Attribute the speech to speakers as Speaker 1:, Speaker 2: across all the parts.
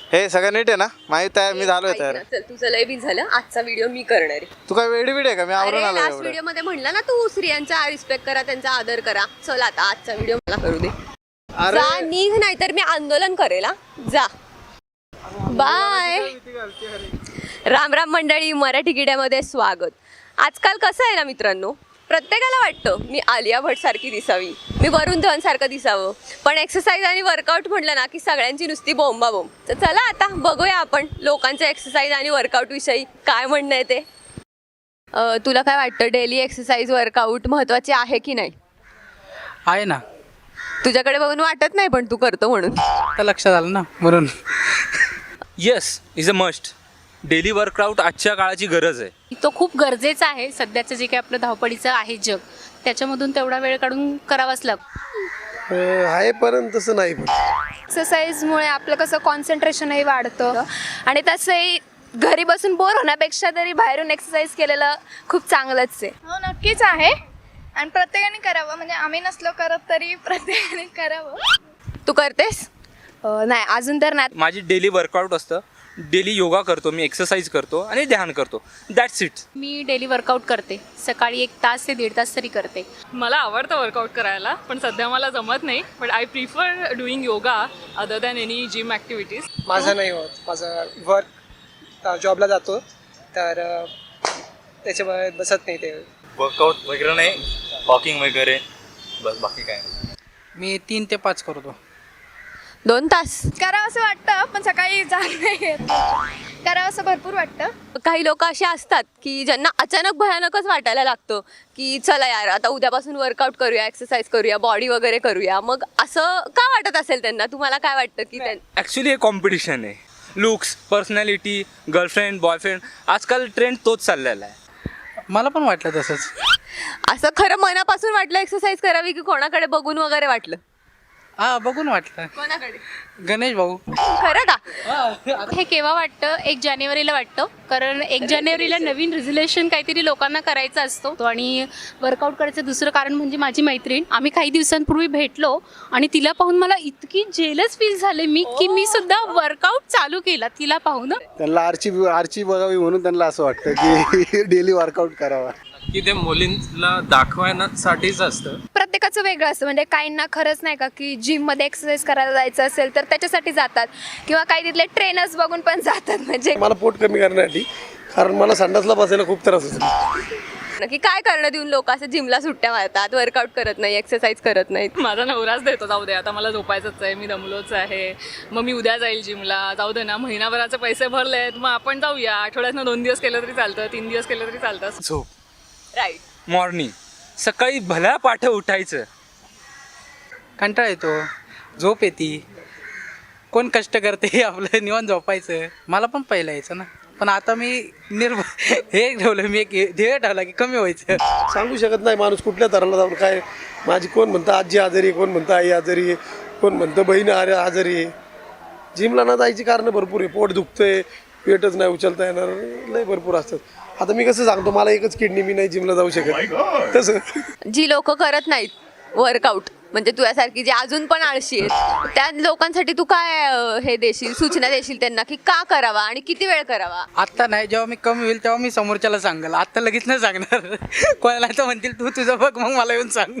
Speaker 1: हे सगळं नीट आहे ना? माहित आहे, मी झालोय
Speaker 2: ऐक
Speaker 1: तयार.
Speaker 2: ना, चल तुझं लय बीज झालं. आजचा व्हिडिओ मी करणार आहे.
Speaker 1: तू काय वेडी आहे का? मी आवरून आलो
Speaker 2: लास्ट
Speaker 1: एवढं.
Speaker 2: व्हिडिओ मध्ये म्हणला ना तू स्त्रियांचा रिस्पेक्ट करा, त्यांचा आदर करा. चल आता आजचा व्हिडिओ मला करू दे.
Speaker 1: अरे
Speaker 2: जा निघ, नाही तर मी आंदोलन करेल. जा बाय. राम राम मंडळी, मराठी किड्यामध्ये स्वागत. आजकाल कसं आहे ना मित्रांनो, प्रत्येकाला वाटतं मी आलिया भट सारखी दिसावी, मी वरुण धवन सारखं दिसावं, पण एक्सरसाइज आणि वर्कआउट म्हटलं ना की सगळ्यांची नुसती बोंबाबोंब. तर चला आता बघूया आपण लोकांचं एक्सरसाइज आणि वर्कआउट विषयी काय म्हणणं आहे ते. तुला काय वाटतं, डेली एक्सरसाइज वर्कआउट महत्त्वाचे आहे की नाही?
Speaker 3: आहे ना.
Speaker 2: तुझ्याकडे बघून वाटत नाही, पण तू करतो म्हणून.
Speaker 3: आता लक्षात आलं ना म्हणून.
Speaker 4: Yes, is a must. Daily workout आजच्या काळाची गरज आहे.
Speaker 5: तो खूप गरजेचा आहे. सध्याचं जे काही आपलं धावपळीचं आहे जग, त्याच्यामधून तेवढा वेळ काढून करावाच लागतो.
Speaker 6: आहे पण तसं नाही. पण
Speaker 7: एक्सरसाइजमुळे आपलं कसं कॉन्सन्ट्रेशनही वाढतं आणि तसंही घरी बसून बोर होण्यापेक्षा तरी बाहेरून एक्सरसाइज केलेलं खूप चांगलंच आहे.
Speaker 8: हो नक्कीच आहे आणि प्रत्येकाने करावं. म्हणजे आम्ही नसलो करत तरी प्रत्येकाने करावं.
Speaker 2: तू करतेस?
Speaker 7: नाही अजून तर नाही.
Speaker 4: माझी डेली वर्कआउट असतं. डेली योगा करतो मी, एक्सरसाइज करतो आणि ध्यान करतो. That's it.
Speaker 5: मी डेली वर्कआउट करते. सकाळी 1 तास ते 1.5 तास तरी करते.
Speaker 9: मला आवडतं वर्कआउट करायला, पण सध्या मला जमत नाही. But I prefer doing yoga other than any gym activities.
Speaker 10: माझं नाही होत. माझं वर्क जॉबला जातो तर त्याच्यामुळे बसत नाही ते.
Speaker 11: वर्कआउट वगैरे नाही, वॉकिंग वगैरे, बस बाकी काय नाही.
Speaker 3: मी 3 ते 5 करतो.
Speaker 2: 2 तास?
Speaker 8: करावं असं वाटतं पण सकाळी जात नाही येत. करावं असं भरपूर वाटतं.
Speaker 2: काही लोक असे असतात की ज्यांना अचानक भयानकच वाटायला लागतं की चला यार आता उद्यापासून वर्कआउट करूया, एक्सरसाइज करूया, बॉडी वगैरे करूया. मग असं का वाटत असेल त्यांना? तुम्हाला काय वाटतं की
Speaker 4: ॲक्च्युली हे कॉम्पिटिशन आहे. लुक्स, पर्सनॅलिटी, गर्लफ्रेंड, बॉयफ्रेंड, आजकाल ट्रेंड तोच चाललेला आहे.
Speaker 3: मला पण वाटलं तसंच.
Speaker 2: असं खरं मनापासून वाटलं एक्सरसाइज करावी की कोणाकडे बघून वगैरे वाटलं?
Speaker 3: हा, बघून वाटलं.
Speaker 2: कोणाकडे?
Speaker 3: गणेश भाऊ.
Speaker 2: खरं का?
Speaker 5: हे केव्हा वाटतं? 1 जानेवारीला वाटतं. कारण 1 जानेवारीला नवीन रिझोल्युशन काहीतरी लोकांना करायचा असतो. आणि वर्कआउट करायचं दुसरं कारण म्हणजे माझी मैत्रीण. आम्ही काही दिवसांपूर्वी भेटलो आणि तिला पाहून मला इतकी जेलस फील झाले की मी सुद्धा वर्कआउट चालू केला तिला पाहून.
Speaker 6: त्यांना आरची बघावी म्हणून त्यांना असं वाटतं की डेली वर्कआउट करावा.
Speaker 11: की ते मुलींना दाखवण्यासाठीच असतं.
Speaker 7: प्रत्येकाचं वेगळं असतं. म्हणजे काहींना खरंच नाही का की जिममध्ये एक्सरसाइज करायला जायचं असेल तर त्याच्यासाठी जातात, किंवा काही तिथले ट्रेनर्स बघून पण जातात. म्हणजे
Speaker 6: मला पोट कमी करण्यासाठी, कारण मला संडासला बसायला खूप त्रास होतो.
Speaker 2: की काय करणं देऊन लोक असं जिमला सुट्ट्या मारतात, वर्कआउट करत नाही, एक्सरसाइज करत नाहीत.
Speaker 9: माझा नवराच देतो, जाऊ दे आता मला झोपायचंच आहे, मी दमलोच आहे, मग मी उद्या जाईल जिमला. जाऊ दे ना, महिनाभराचे पैसे भरलेत, मग आपण जाऊया. आठवड्यातनं 2 दिवस केलं तरी चालतं, 3 दिवस केलं तरी चालतं.
Speaker 4: झोप,
Speaker 2: राईट.
Speaker 4: मॉर्निंग, सकाळी भल्या पाठ उठायचं.
Speaker 3: कंटाळा येतो, झोप येते. कोण कष्ट करते? आपलं निवांत झोपायचं. मला पण पहिलं यायचं ना, पण आता मी हे ठेवलं, मी एक ध्येय ठेवला की कमी व्हायचं.
Speaker 6: सांगू शकत नाही माणूस कुठल्या तराला जाऊन काय. माझी कोण म्हणतं आजी आजारी आहे, कोण म्हणतं आई आजारी आहे, कोण म्हणतं बहीण आजारी आहे. जिमला ना जायची कारणं भरपूर आहे. पोट दुखतंय, पेटच नाही उचलता येणार, लय भरपूर असतात. आता मी कसं सांगतो, मला एकच किडनी, मी नाही जिमला जाऊ शकत. तसं
Speaker 2: जी लोक करत नाहीत वर्कआउट, म्हणजे तुझ्यासारखी जे अजून पण आळशी आहेत, त्या लोकांसाठी तू काय हे देशील, सूचना देशील त्यांना की का करावा आणि किती वेळ करावा?
Speaker 3: आत्ता नाही, जेव्हा मी कमी होईल तेव्हा मी समोरच्याला सांगाल. आत्ता लगेच नाही सांगणार. कोणाला तर म्हणतील तू तुझं बघ, मग मला येऊन सांग.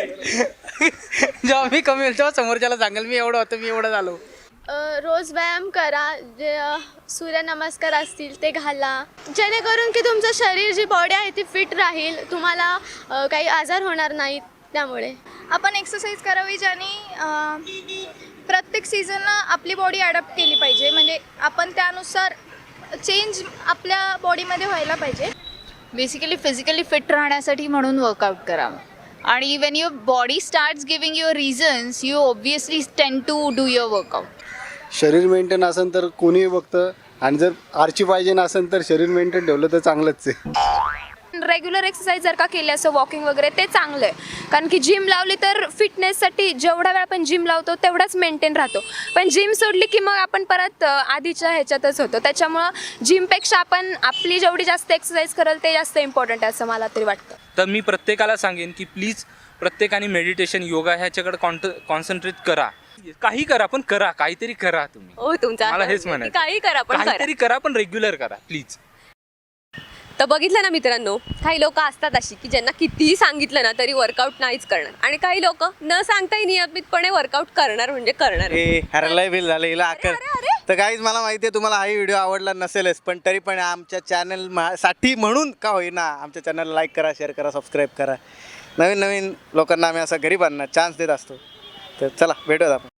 Speaker 3: जेव्हा मी कमी होईल तेव्हा समोरच्याला सांगाल मी एवढं होतं, मी एवढं झालो.
Speaker 8: रोज व्यायाम करा. जे सूर्यनमस्कार असतील ते घाला, जेणेकरून की तुमचं शरीर, जी बॉडी आहे ती फिट राहील, तुम्हाला काही आजार होणार नाहीत. त्यामुळे आपण एक्सरसाइज करावी ज्याने प्रत्येक सीझनला आपली बॉडी अडॅप्ट केली पाहिजे. म्हणजे आपण त्यानुसार चेंज आपल्या बॉडीमध्ये व्हायला पाहिजे.
Speaker 12: बेसिकली फिजिकली फिट राहण्यासाठी म्हणून वर्कआउट करावं. आणि when your body starts giving your reasons, you obviously tend to do your workout.
Speaker 6: शरीर मेंटेन असेल तर कोणीही बघतं, आणि जर आरची पाहिजे नसेल तर शरीर मेंटेन ठेवलं तर चांगलंच आहे.
Speaker 7: रेग्युलर एक्सरसाइज जर का केली, असं वॉकिंग वगैरे, ते चांगलं आहे. कारण की जिम लावली तर फिटनेससाठी जेवढा वेळ आपण जिम लावतो तेवढाच मेंटेन राहतो. पण जिम सोडली की मग आपण परत आधीच्या ह्याच्यातच होतो. त्याच्यामुळं जिमपेक्षा आपण आपली जेवढी जास्त एक्सरसाइज कराल ते जास्त इम्पॉर्टंट आहे असं मला तरी वाटतं.
Speaker 4: तर मी प्रत्येकाला सांगेन की प्लीज प्रत्येकाने मेडिटेशन, योगा ह्याच्याकडे कॉन्सन्ट्रेट करा. काही करा पण करा, काहीतरी करा तुम्ही.
Speaker 2: हो तुमचा
Speaker 4: मला हेच
Speaker 2: की
Speaker 4: म्हणायचं.
Speaker 2: काही करा पण करा.
Speaker 4: काहीतरी करा पण रेग्युलर करा प्लीज.
Speaker 2: तर बघितलं ना मित्रांनो, काही लोक असतात अशी की ज्यांना कितीही सांगितलं ना तरी वर्कआउट नाहीच करणार, आणि काही लोक न सांगताही नियमितपणे वर्कआउट करणार म्हणजे करणार.
Speaker 1: अरे लय बिल झालं हिला अक्कल. तर काहीच मला माहिती आहे तुम्हाला हाही व्हिडिओ आवडला नसेलच, पण तरी पण आमच्या चॅनल साठी म्हणून का होईना आमच्या चॅनलला लाईक करा, शेअर करा, सबस्क्राईब करा. नवीन नवीन लोकांना आम्ही असा गरीबांना चान्स देत असतो. तर चला भेटूयात आपण.